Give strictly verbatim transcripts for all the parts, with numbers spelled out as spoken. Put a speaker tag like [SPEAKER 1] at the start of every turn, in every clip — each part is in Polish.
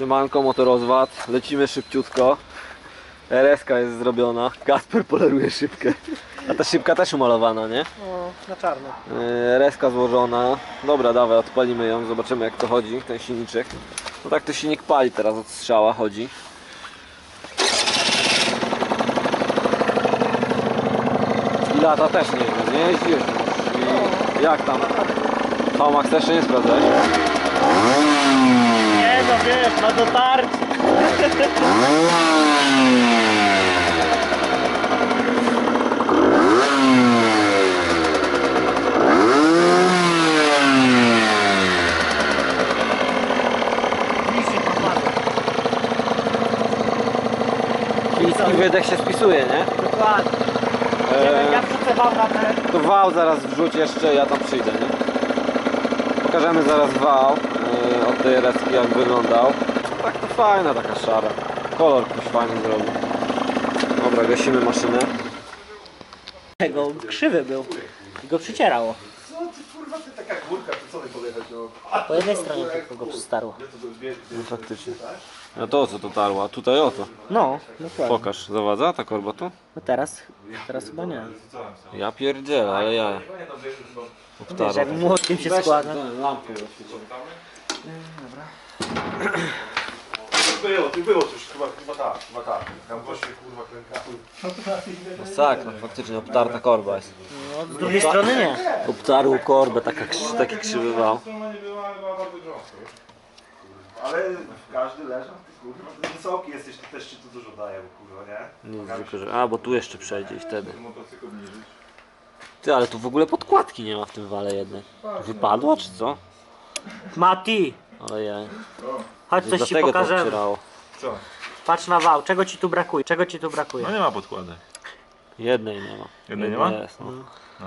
[SPEAKER 1] Siemanko, motorozwad, lecimy szybciutko. R S ka jest zrobiona, Kasper poleruje szybkę. A ta szybka też umalowana, nie?
[SPEAKER 2] No, na czarno.
[SPEAKER 1] R S ka złożona. Dobra, dawaj, odpalimy ją, zobaczymy jak to chodzi, ten silniczek. No tak to silnik pali teraz, od strzała chodzi. I lata też nie wiem, nie jeździłeś już. I jak tam? V-Max też nie sprawdzałeś?
[SPEAKER 2] Nie no wiesz, na dotarcie.
[SPEAKER 1] Chiński wydech się spisuje, nie?
[SPEAKER 2] Dokładnie.
[SPEAKER 1] Eee,
[SPEAKER 2] Ja wrzucę wam na ten.
[SPEAKER 1] to wał zaraz wrzuć jeszcze, ja tam przyjdę, nie? Pokażemy zaraz wał yy, od tej R S ki jak wyglądał. Tak to fajna taka szara. Kolor ktoś fajny zrobił. Dobra, gasimy maszynę.
[SPEAKER 2] Tego krzywy był. I go przycierało.
[SPEAKER 3] Co ty kurwa, ty taka górka, to co ty podjechać no?
[SPEAKER 2] Po jednej stronie tylko go przystarło.
[SPEAKER 1] No faktycznie. No to o co to tarło? A tutaj o to.
[SPEAKER 2] No, dokładnie.
[SPEAKER 1] Pokaż, zawadza ta korba tu?
[SPEAKER 2] No teraz, teraz chyba nie.
[SPEAKER 1] Ja pierdzielę, ale ja.
[SPEAKER 2] Wiesz, jak młotkiem się składa.
[SPEAKER 1] Lampkę
[SPEAKER 3] Było, ty było już chyba, chyba tak, chyba tak. Tam goście kurwa krękały.
[SPEAKER 1] Masakra, faktycznie obtarta korba jest.
[SPEAKER 2] No, z drugiej strony nie.
[SPEAKER 1] Obtarł korbę, taka, taki krzywy wał.
[SPEAKER 3] Strona nie była, była bardzo grząska, wiesz? Ale każdy leżał, ty kurwa, ty wysoki jesteś, ty też ci tu dużo daje, bo kurwa, nie?
[SPEAKER 1] Nic, tylko, że... A, bo tu jeszcze przejdzie i wtedy.
[SPEAKER 3] Motocykl obniżyć.
[SPEAKER 1] Ty, ale tu w ogóle podkładki nie ma w tym wale jednej. Wypadła czy co?
[SPEAKER 2] Mati,
[SPEAKER 1] Ale ja.
[SPEAKER 2] chodź coś ci
[SPEAKER 1] Dlatego to
[SPEAKER 2] pokażemy.
[SPEAKER 1] obcierało.
[SPEAKER 3] Co?
[SPEAKER 2] Patrz na wał, czego ci tu brakuje? Czego ci tu brakuje?
[SPEAKER 3] No nie ma podkładek.
[SPEAKER 1] Jednej nie ma.
[SPEAKER 3] Jednej nie
[SPEAKER 1] Jedna
[SPEAKER 3] ma?
[SPEAKER 1] Jest, no.
[SPEAKER 3] A.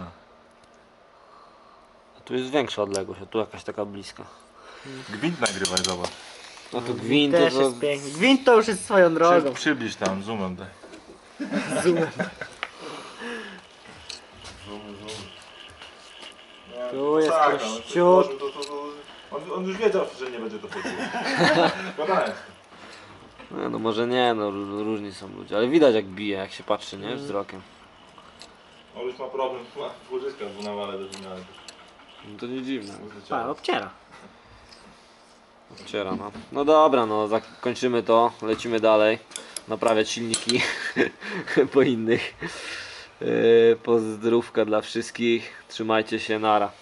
[SPEAKER 1] A tu jest większa odległość, a tu jakaś taka bliska.
[SPEAKER 3] Gwint nagrywaj, zobacz.
[SPEAKER 1] No tu gwint
[SPEAKER 2] Też
[SPEAKER 1] to...
[SPEAKER 2] jest piękny. Gwint to już jest swoją drogą.
[SPEAKER 3] Przy, przybliż tam, zoomem daj.
[SPEAKER 2] Zoomem.
[SPEAKER 3] Zoom, zoom.
[SPEAKER 2] Tu jest
[SPEAKER 3] Tak,
[SPEAKER 2] kościół.
[SPEAKER 3] to, to, to, on, on już wiedział, że nie będzie to chodziło. Gadałem.
[SPEAKER 1] No, no może nie, no ró- różni są ludzie, ale widać jak bije, jak się patrzy, nie? Wzrokiem.
[SPEAKER 3] On już ma problem, ma łożyska w nawale do zmiany.
[SPEAKER 1] No to nie dziwne.
[SPEAKER 2] A, obciera.
[SPEAKER 1] Obciera, no. No dobra, no zakończymy to, lecimy dalej. Naprawiać silniki po innych. Yy, pozdrówka dla wszystkich, trzymajcie się, nara.